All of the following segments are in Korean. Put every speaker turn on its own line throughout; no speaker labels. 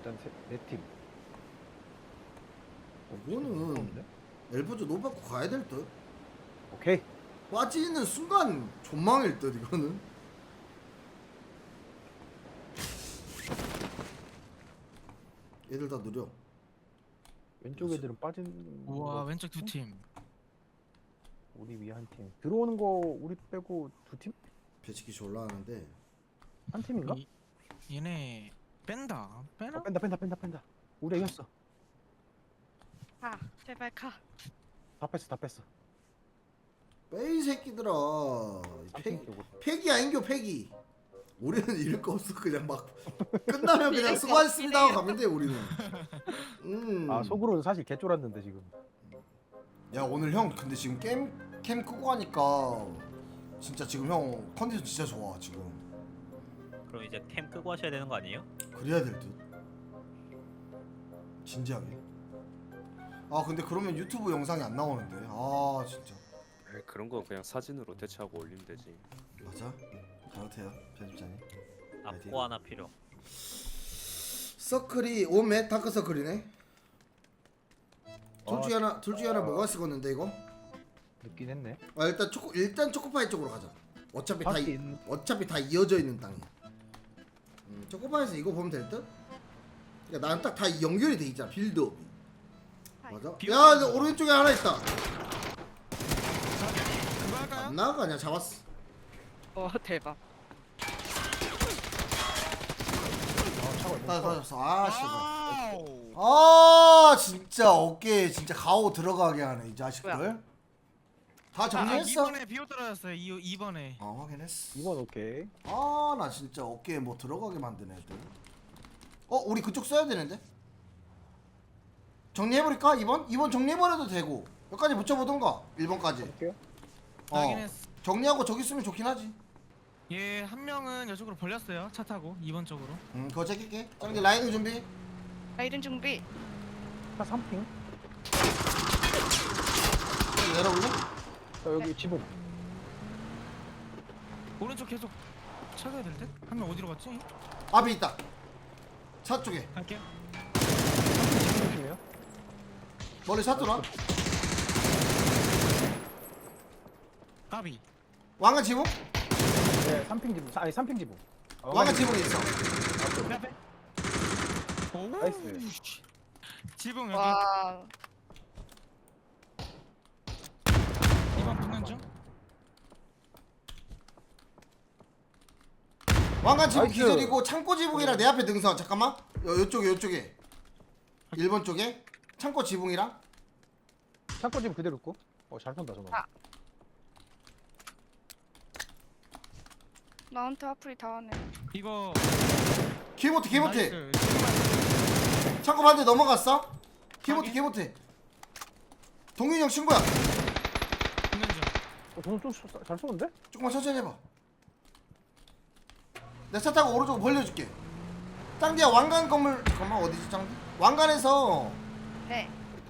일단 네 팀.
이거는 엘보즈 노 받고 가야 될 듯.
오케이.
빠지는 순간 존망일 듯 이거는. 얘들 다 느려.
왼쪽 애들은 빠진.
우와
거.
왼쪽 두 팀.
우리 위 한 팀. 들어오는 거 우리 빼고 두 팀?
배치기 졸라 하는데.
한 팀인가?
얘네 뺀다. 빼나?
뺀다. 우리 이겼어.
아, 제발 가.
다 뺐어.
빼이 새끼들아.
삼팀 쪽으로.
패기 아닌겨 패기. 우리는 잃을 거 없어. 그냥 막 끝나면 그냥 수고하셨습니다 하고 가면 돼 우리는.
아 속으로는 사실 개쫄았는데 지금.
야 오늘 형 근데 지금 캠 끄고 가니까 진짜 지금 형 컨디션 진짜 좋아 지금.
그럼 이제 캠 끄고 하셔야 되는 거 아니에요?
그래야 될 듯. 진지하게. 아 근데 그러면 유튜브 영상이 안 나오는데. 아 진짜.
에이, 그런 거 그냥 사진으로 대체하고 올리면 되지.
맞아? 잘못해요 편집자님.
앞고 하나 필요.
서클이 오메 다크 서클이네. 둘 중에 하나 뭐가 쓰겠는데 이거?
늦긴 했네.
아 일단 초코파이 쪽으로 가자. 어차피
하긴.
어차피 다 이어져 있는 땅이야. 초코파이에서 이거 보면 될 듯? 그러니까 나는 딱 다 연결이 돼 있잖아 빌드업이. 맞아? 야 근데 오른쪽에 하나 있다.
그거 할까요?
안 나가냐 잡았어.
대박.
다 잡았어. 아 씨발.
와우.
아 진짜 어깨에 진짜 가오 들어가게 하네 이 자식들.
뭐야?
다 정리했어?
2번에 비오 떨어졌어요. 2번에.
확인했어.
이번 오케이.
아 나 진짜 어깨에 뭐 들어가게 만드네 애들. 우리 그쪽 써야 되는데? 정리해버릴까 2번? 2번 정리해버려도 되고 여기까지 붙여보던가 1번까지.
할게요.
확인했어.
정리하고 저기 쓰면 좋긴 하지.
얘 한 명은 이쪽으로 벌렸어요. 차 타고 2번 쪽으로.
그거 챙길게. 짱디 라이딩 준비.
라이든 준비.
한 3팀.
내려올래?
여기 지붕.
오른쪽 계속 찾아야 될 듯? 한 명 어디로 갔지?
앞에 있다. 차 쪽에.
갈게요.
팀이에요?
멀리 차 돌아.
까비.
왕관 지붕?
네, 3팀 지붕. 아니 3팀 지붕.
왕관 지붕에 있어.
내 앞에. 오.
나이스.
지붕 여기.
와.
2번 붙는 중.
왕관 지붕
나이스.
기절이고 창고 지붕이랑 내 앞에 등선. 잠깐만. 요쪽에 1번 쪽에 창고 지붕이랑.
창고 지붕 그대로 있고. 잘 쏜다 저거.
아. 나한테 화풀이 다 하네.
이거
기모트
나이스.
창고 반대 넘어갔어? 기모트
확인.
기모트. 동윤이 형 친구야.
붙는 중.
저는 좀잘 쏘는데?
조금만 천천히 해봐. 내 차 타고 오른쪽으로 벌려줄게. 짱디야 왕관 건물. 잠깐만 어디지 짱디? 왕관에서
네.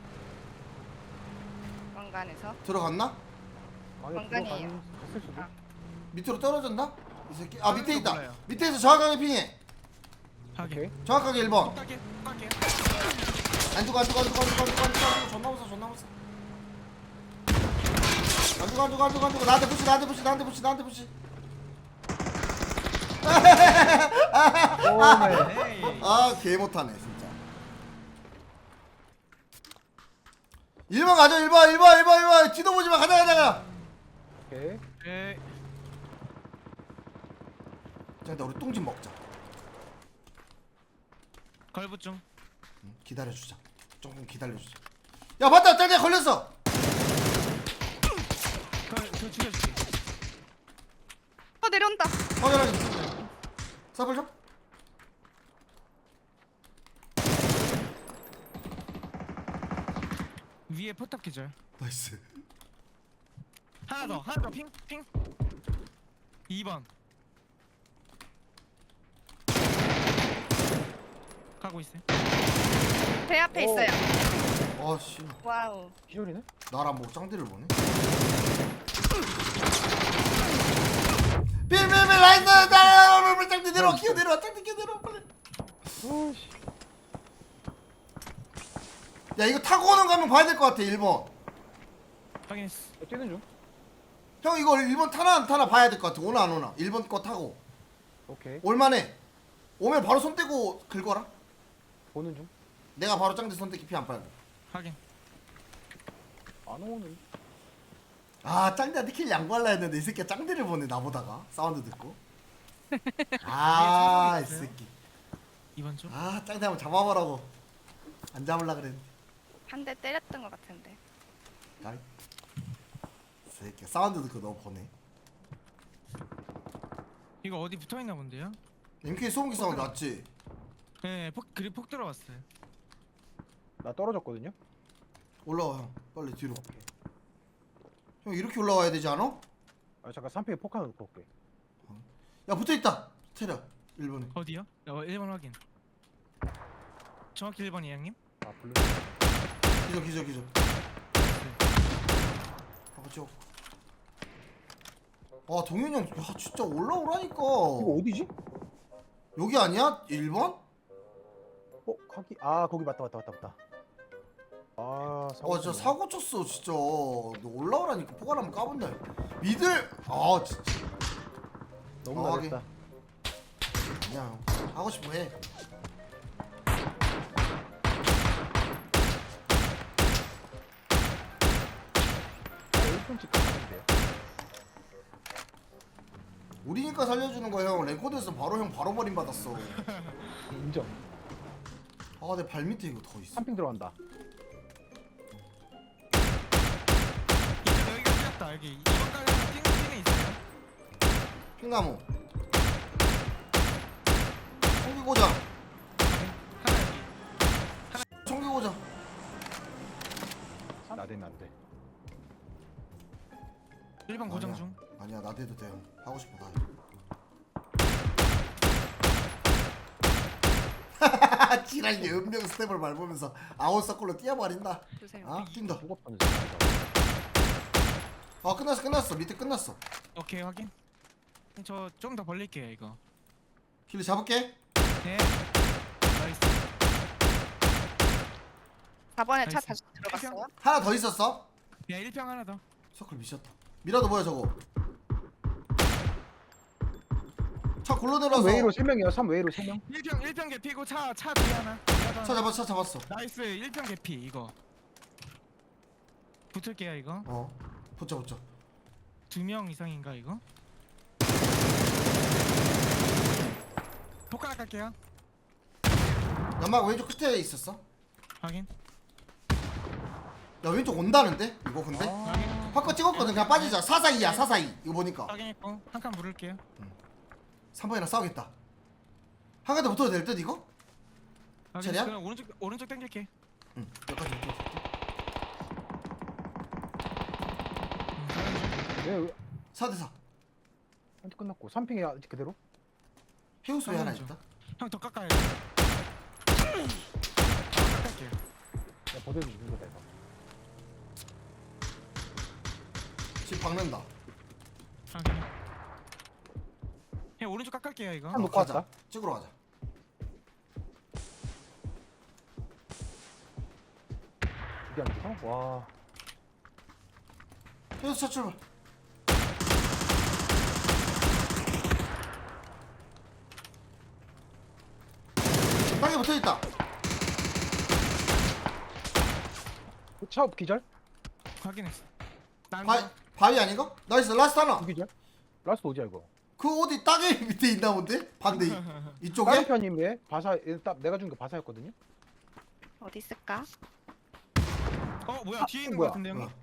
왕관에서.
들어갔나?
왕관이에요.
갔을 수도.
아.
밑으로 떨어졌나? 이 새끼. 아 밑에
떨어진 거
있다.
몰라요.
밑에서 정확하게 핑해.
하게.
오케이.
정확하게 1번.
갈게. 갈게.
안 죽어 존나 무서워 안 죽어 나한테 푸시
오메.
에이.
아 개 못하네 진짜. 1번 가자 1번 뒤도 보지마 가자.
오케이.
에이.
자 일단 우리 똥집 먹자.
걸붙 중.
기다려주자. 조금 기다려주자. 야 맞다 짱디야 걸렸어.
저 죽여줄게.
내려온다.
확인하게 사블 좀.
위에 포탑 기절.
나이스.
하나 더 핑. 2번. 가고 있어요.
배 앞에
오.
있어요.
아씨
와우.
기절이네?
나랑 뭐 짱디를 보네. 빌빌빌 라이트 짱디 내려와 기어 내려와 짱디 기어 내려와 빨리.
오씨.
야 이거 타고 오는 거 한번 봐야 될 것 같아 1번.
확인했어.
뛰는 중.
형 이거 1번 타나 안 타나 봐야 될 것 같아. 오나 안 오나. 1번 거 타고
오케이.
올만해. 오면 바로 손 떼고 긁어라.
보는 중.
내가 바로 짱대 손 떼기 피 안 빨고.
확인.
안 오는.
아 짱대한테 킬 양보할라 했는데 이 새끼가 짱대를 보네 나보다가 사운드 듣고. 아 이 새끼.
이번 쪽.
아 짱대 한번 잡아보라고. 안 잡을라 그랬는데.
한 대 때렸던 것 같은데.
야, 이 새끼 사운드 듣고 너 보네.
이거 어디 붙어 있나 본데요?
MK 소음기 사운드 맞지?
네, 그리 폭 들어왔어요.
나 떨어졌거든요.
올라와 형 빨리 뒤로. 형 이렇게 올라와야 되지 않아?
아 잠깐 3패에 폭 하나 놓고 올게.
야 붙어있다 테려 1번에.
어디요? 1번 확인. 정확히 1번이 형님?
아 블루.
기절 하고 쭉. 아 동현이 형 야, 진짜 올라오라니까.
이거 어디지?
여기 아니야? 1번?
거기. 아 거기 맞다. 아 사고.
진짜 사고 쳤어 진짜. 너 올라오라니까. 포괄하면 까본다. 미들 아 진짜
너무
아,
나겠다.
그냥 하고 싶어 해.
아, 1분씩 가는데요.
우리니까 살려주는 거야 형. 랭코드에서 바로 형 바로 버림 받았어.
인정.
아 내 발 밑에 이거 더 있어.
3핑 들어간다.
여기가 뛰었다. 여기 2번 가게에서 뛰는 있어요.
핑나무 총기고장
하나 여기.
총기고장.
나대면 안 돼.
1번 고정
아니야.
중.
아니야 나대도 돼 형. 하고 싶어 나. 지랄이 은명 스텝을 밟으면서 아웃서클로 뛰어버린다.
보세요.
아 뛴다.
죽었다는
아 끝났어 밑에 끝났어.
오케이 확인. 저 좀 더 벌릴게요 이거.
킬리 잡을게.
네. 나이스.
4번에 차
나이스.
다시 들어갔어요.
하나 더 있었어.
야 1평 하나 더.
서클 미쳤다. 미라도 뭐야 저거. 차 굴러 내려서.
웨이로 3명이야. 3웨이로 3명.
1평 개피고 차 뒤에 하나.
차 잡았어.
나이스 1평 개피 이거. 붙을게요 이거.
붙여.
2명 이상인가 이거? 폭 하나 깔게요.
연막 왼쪽 끝에 있었어.
확인.
야 왼쪽 온다는데 이거 근데.
확인.
화거 찍었거든. 그냥 빠지자. 442야 442. 이거 보니까
확인했고 한 칸 물을게요.
3번이랑 싸우겠다. 한 칸 더 붙어도 될 듯 이거?
확인.
차례야?
그럼 오른쪽 당길게.
응. 여기까지 붙어.
왜
4대4.
한테 끝났고 3핑이 아직 그대로?
해우소에 하나
좀.
있다.
형 더 깎아야 돼. 깎을게요.
야 버텨 주는 거다 이거.
집 박는다.
확인. 형 오른쪽 깎을게요 이거.
한 놓고
가자.
왔다.
찍으러 가자.
이게 안 붙어? 와.
해우소 차 출발. 땅에 붙어있다.
차 기절?
확인했어. 난
바위 아닌가? 나이스 라스트 하나.
기절? 라스트 어디야 이거?
그 어디 땅에 밑에 있나 본데? 반대
다른
이쪽에?
편님의 바사 내가 준 게 바사였거든요.
어디 있을까?
뭐야 뒤에 있는 거
뭐야?
같은데 형님?
뭐야?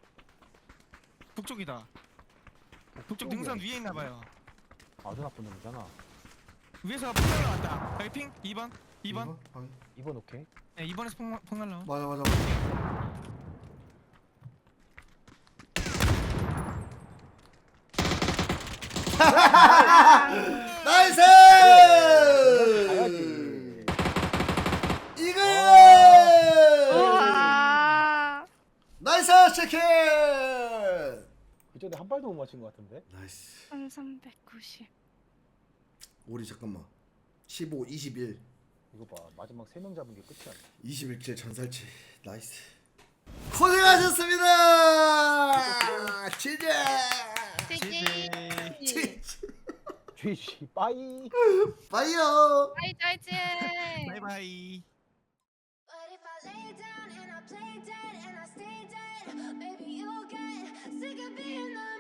북쪽이다. 북쪽 능선 위에 있나 봐요.
아주 나쁜 놈이잖아.
위에서 폭 날라왔다. 여기 핑 2번. 2번.
바위.
2번 오케이.
네 2번에서 폭 날라온.
맞아. 나이스!
가야지.
이거!
우와.
나이스 치킨!
그 전에 한 발도 못 맞힌 것 같은데.
나이스.
1390.
우리 잠깐만. 15, 21.
이거 봐 마지막 3명 잡은 게 끝이 아니야.
21킬 전살치 나이스. 고생하셨습니다. 진짜.
찌기.
GG 빠이.
빠이요.
빠이 짜이지.
바이바이.
But if I lay down and I play dead and I stay dead, maybe you'll get sick of being the